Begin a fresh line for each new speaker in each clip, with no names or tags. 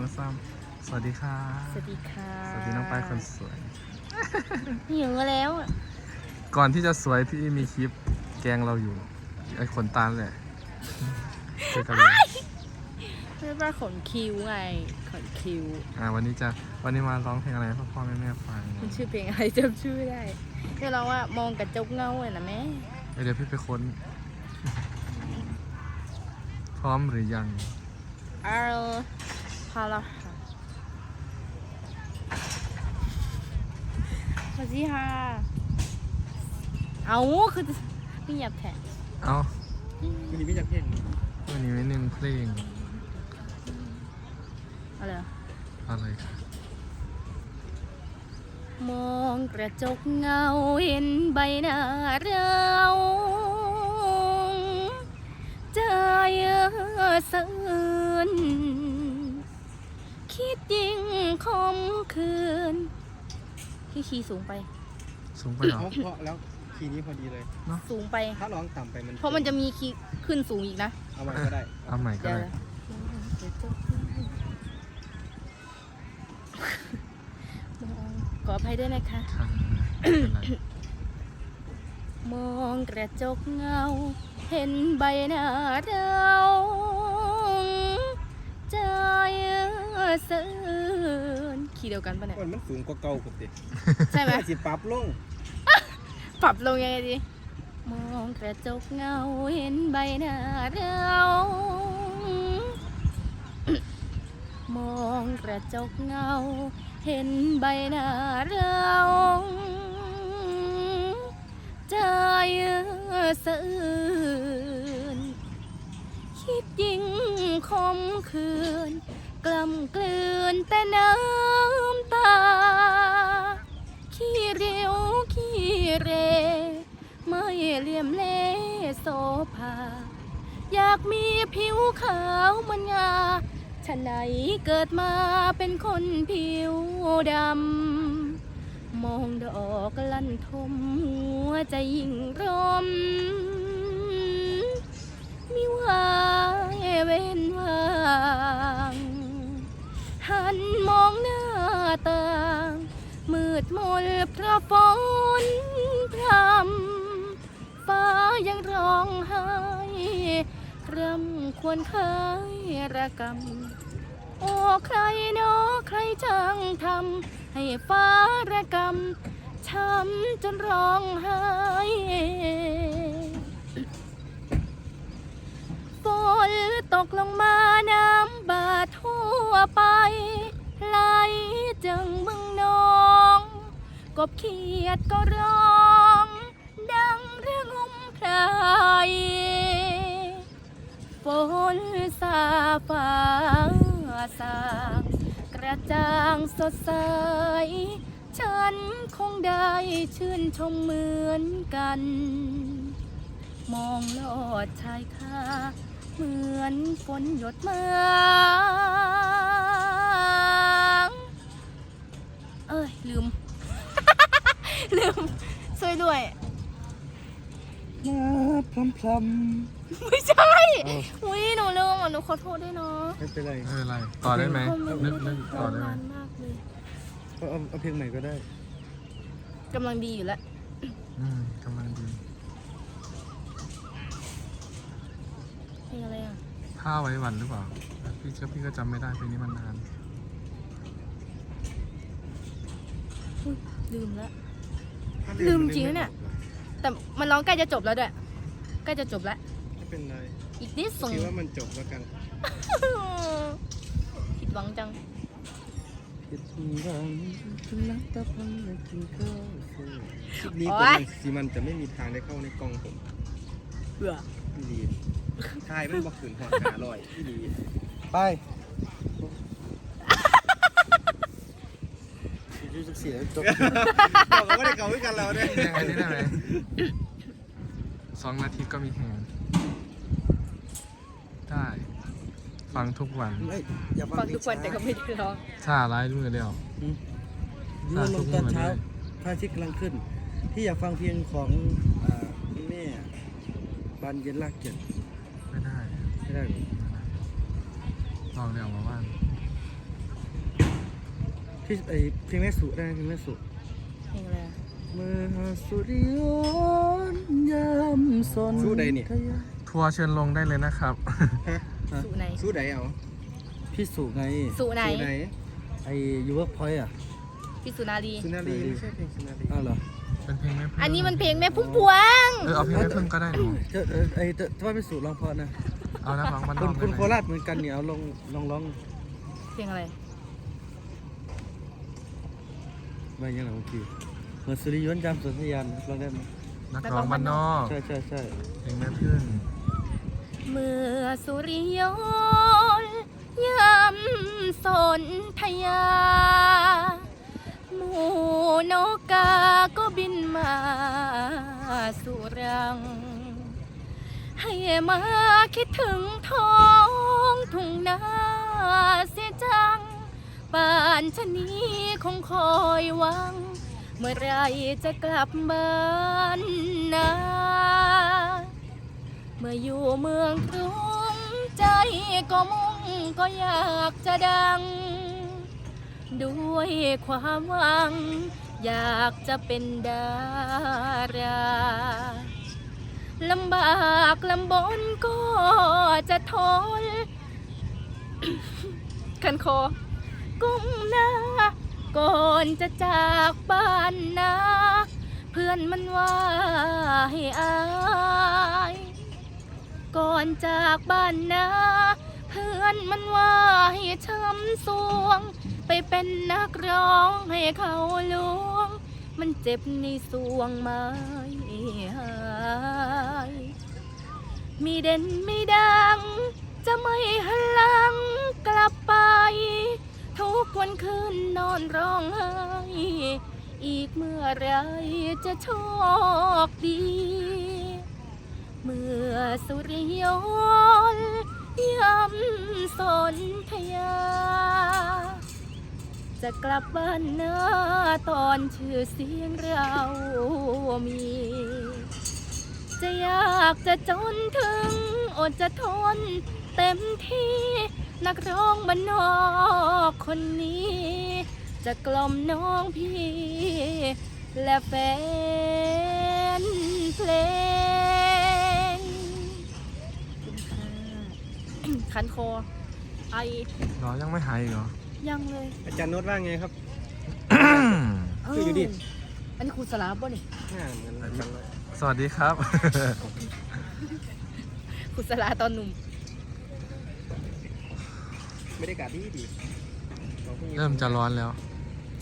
ซ้ำสวัสดีค่ะ
สวัสดีค่ะ
สวัสดีน้องปายคนสวย
หิวแล้ว
ก่อนที่จะสวยพี่มีคลิปแกงเราอยู่ไอ้ขนตาแหละเจอกันเลย
ไม่ว่าขนคิ้วไงขนคิ้ว
วันนี้มาร้องเพลงอะไรให้พ่อแม่ฟัง
มันชื่อเพลงอะไรจำชื่อไม่ได้เดี๋ยวเราว่ามองกระจกเงาเลยนะแม่
เดี๋ยวพี่ไปค้น พร้อมหรือยัง
พาละค่ะสวัสดีค่ะเอาคือไม่หยับแทน
เอา
วันนี้ไม่จับเพลง
วันนี้ไม่หนึ่งเพลง
อะไรอะ
อะไรครับ
มองกระจกเงาเห็นใบหน้าเราใจสะอื้นคิดยิ่งคมคืนขี้สูงไป
สูงไปเหรอ
เพราะแล้วคีย์นี้พอดีเลย
สูงไป
ถ้าร้องต่ำไปมัน
เพราะมันจะมีคีย์ขึ้นสูงอีกนะ
เอาไว้ก็ได้
เอาใหม่ก็
เดี๋ยว
ได้
นะขออภัยด้วยนะคะ
ค่ะไม่เป็นไร
มองกระจกเงาเห็นใบหน้าเราใจสะอื้นขี่เดียวกันปะเนี่ย
มันสูงกว่าเก่าผมดิ
ใช่ไหม
สิปรับลง
ปรับลงยังไงดี มองกระจกเงาเห็นใบหน้าเรา มองกระจกเงาเห็นใบหน้าเราใจสะอื้นคิดยิ่งคมคืนกล่ำกลืนแต่น้ำตาขี้เร็วขี้เรไม่เหลี่ยมเล่โสภาอยากมีผิวขาวเหมันงาฉะไหนเกิดมาเป็นคนผิวดำมองดอกลั่นทมหัวใจยิ่งร่มมิวายเว้นวางหันมองหน้าต่างมืดมนเพราะฝนพรำฟ้ายังร้องไห้รำควรคายระกำโอ้ใครเนาะใครจังทำให้ฟ้าระกำช้ำจนร้องไห้ฝนตกลงมาน้ำบาดทั่วไปไหลจึงบึงนองกบเขียดก็ร้องดังเรื่องงมพรายฝนสาฟ้าสางกระจ่างสดใสฉันคงได้ชื่นชมเหมือนกันมองลอดชายคาเหมือนฝนหยดมาลืม ลืมช่วยด้วย
มาพลำ
ไม่ใช่
เอ้า
อุ้ยหนูลืมอ่ะหนูขอโทษด้วยเนาะ
ไม่เป็นไร
ไม่เป็นไรต่อได้ไหมนึกต่อได้ไหม
นานมากเลย
ก็เอาเพลงใหม่ก็ได้
กำลังดีอยู่แล้ว
กำลังดี
เพลงอะไรอ่ะ
ผ้าไว้วันหรือเปล่าพี่ก็จำไม่ได้เพลงนี้มันนาน
อุ๊ยลืมแล้ว ลืมจริงนะเนี่ย แต่มันร้องใกล้จะจบแล้วด้วยใกล้จะจบแล้ว
ไม่เป็นไร
อีกนิดส่ง
คิดว่ามันจบแล้วกัน
ผิดหวังจัง
คิดว่าคุณรักตะพังและกินข้าวคลิปนี้
โอ๊
ก็
ย
มันจะไม่มีทางได้เข้าในกล้องผม
เบื่อ
พี่ลีทายมันบอกขืนหอดหาลอยพี่ลีไปเสียจบบอกว่าได้เก่าด้วยกันแล้วเนี่ย
ยังไงนี่ได้ไหม2 นาทีก็มีแหงได้ฟังทุกวัน
อย่า
ฟังทุกวันแต่ก็ไม่ได้ร้อง
ถ้าร้ายมือเดียว
ดูลงตอนเช้าพระอาทิตย์กำลังขึ้น ที่อยากฟังเพลงของคุณแม่บานเย็นลากเกียรติ
ไม่ได้
ไม่ได้หรอ
ลองเรียกมาว่าง
ที่เพลงแม่สุได้เพลงแม่สุ
เพลงอะไรอะ
เมื่อสุริยนต์ยามสน
สู้ใดนี่
ทัวร์เชิญลงได้เลยนะครับ
สุไหน
สู้ใดเอา
พี่สุไง
สุไหน
สู้ใด
ไอ้ยูเวิร์กพอยต์อ่ะ
พี่สุนารี
สุนารีไม่ใช่เพลงสุนารี
อ้าวเหรอ
เป็นเพลงแม่พึ่ง
อันนี้มันเพลงแม่พุ่มพวง
เอาเพลงแม่พึ่งก็ได้หนู
ถ้าพี่สุร้องเพราะนะ
เอานักร้องบ้านน
คุ
อ
ณ
ก
คุณโค
ได้ไหม
ราชเหมือนกันเนี่ยเอาลองร้อง
เพลงอะไร
ไปยังไงเมื่อกี้เมื่อสุริยนต์ยามสนธยานร้องได้ไหม
นักร้องบ้านนอก
ใช่ใช่ใช่
เพลงแม่พึ่ง
เมื่อสุริยนต์ยำสนธยา หมู่นกกาก็บินมาสู่รัง ให้มาคิดถึงท้องทุ่งนาเสียจัง ป่านชะนี้คงคอยหวัง เมื่อไรจะกลับบ้านนา เมื่ออยู่เมืองกรุงใจก็มุ่งก็อยากจะดัง ด้วยความหวัง อยากจะเป็นดาราลำบากลำบนก็จะทน คันคอก้มหน้าก่อนจะจากบ้านนาเพื่อนมันว่าให้อาย ก่อนจากบ้านนาเพื่อนมันว่าให้ช้ำสวง ไปเป็นนักร้องให้เขาลวง มันเจ็บในสวงไม่หายมีเด่นไม่ดัง จะไม่หันหลังกลับไป ทุกวันคืนนอนร้องไห้อีกเมื่อไรจะโชคดี เมื่อสุริยนต์ยำสนธยา จะกลับบ้านนาตอนชื่อเสียงเรามี จะอยากจะจนถึงอดจะทนเต็มที่นักร้องบ้านนอกคนนี้ จะกล่อมน้องพี่และแฟนเพลงคันคอไอ
เหรอยังไม่หายอีกเหรอ
ยังเลย
อาจารย์โน้ตว่าไงครับ
เ
คืออยู่ดิ
อันนี้ครูสลาป่ะนี่
หน้าเหมือนอาจารย์โน้ต
สวัสดีครับ
ครูสลาตอนหนุ่ม
ไม่ได้กาดดีของพวกนี้
เริ่มจะร้อนแล้ว
ใช่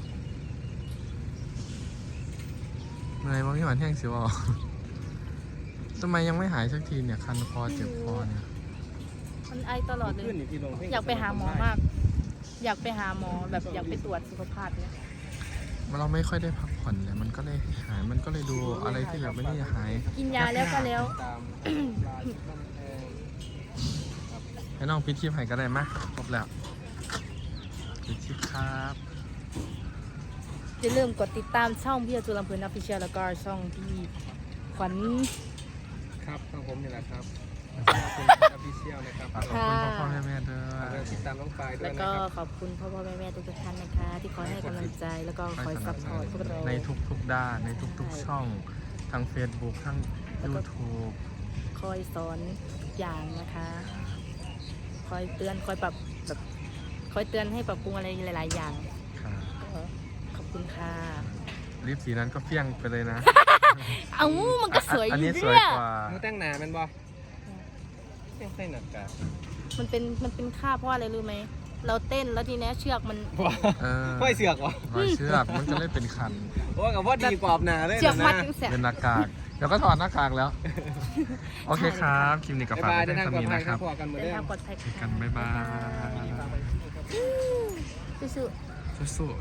เมื่อยบางที่หวานแห้งสิวะทำไมยังไม่หายสักทีเนี่ยคันคอเจ็บคอเนี่ย
มันไอตลอดเลย
ขึ้นนี่ที่ลงเพลง
อยากไปหาหมอมาก อยากไปหาหมอแบบอยากไปตรวจสุขภาพเนี่ย
เราไม่ค่อยได้พักผ่อนเลยมันก็เลยหายมันก็เลยดูอะไรที่แบบไม่ได้หาย
กินยาแล้วก็แล้ว
ตามลายบ้านแพง
ให้น้องพิชิตให้ก็ได้มะครบแล้วพิชิตครับ
อย่าลืมกดติดตามช่องพี่จุลำเพลินออฟฟิเชียลแล้วก็ช่องพี่ขวัญ
ครับของผมนี่แหละครับเป็นออฟฟิเชียลนะครับ
ขอบคุณพ่อแม่ด้ว
ฝาก
ย
ติดตามน้องปายด้ว
แล้
ยว นะ
ก็
ครับ
ขอบคุณพ่อแม่ทุกท่านนะคะ ที่คอยให้กำลังใจแล้วก็คอยซัพพอร์ตพวกเรา
ในทุกๆด้านในทุกๆช่องทั้ง Facebook ทั้ง YouTube
คอยสอนทุกอย่างนะคะ คอยเตือนคอยปรับแบบคอยเตือนให้ปรับปรุงอะไรหลาย ๆ อย่าง
ครับ
ก็ขอบคุณค่ะ
ลิปสีนั้นก็เฟี้ยงไปเลยนะ
เอ้ามันก็สวยอ
อัน
ยู่
นี้สวย
เนี่ย
กว่า
มึงแต่งหนาแมันบ่ยังใส่หนักกา
มันเป็นค่าเพราะอะไรรู้ไหมเราเต้นแล้วทีนี้เชือกมัน
เออ
ค่อยเสือกวะ
รอยเชือกมันก็เลยเป็นคัน
โอ้กับว่าดีกว่าหนาเลย
เชือกมัด
นะ
ทั้งแสบ
เป็นหน้ากากเดี๋ยวก็ถอดหน้ากากแล้ว โอเคครับคลิปนี้กับ
บ๊าย
ฝาก
บาย
ไว้
เดิน
เพียง
ทาง
เท่า
ปลอด
นี้
ภัย
นะค
ค
รั
รับบ พอกันเหมือน
เดิ
เดิ
นทาง
ม
ปลอดภัย
เจอกันบ๊ายบาย
สู้ๆ
สู้ๆ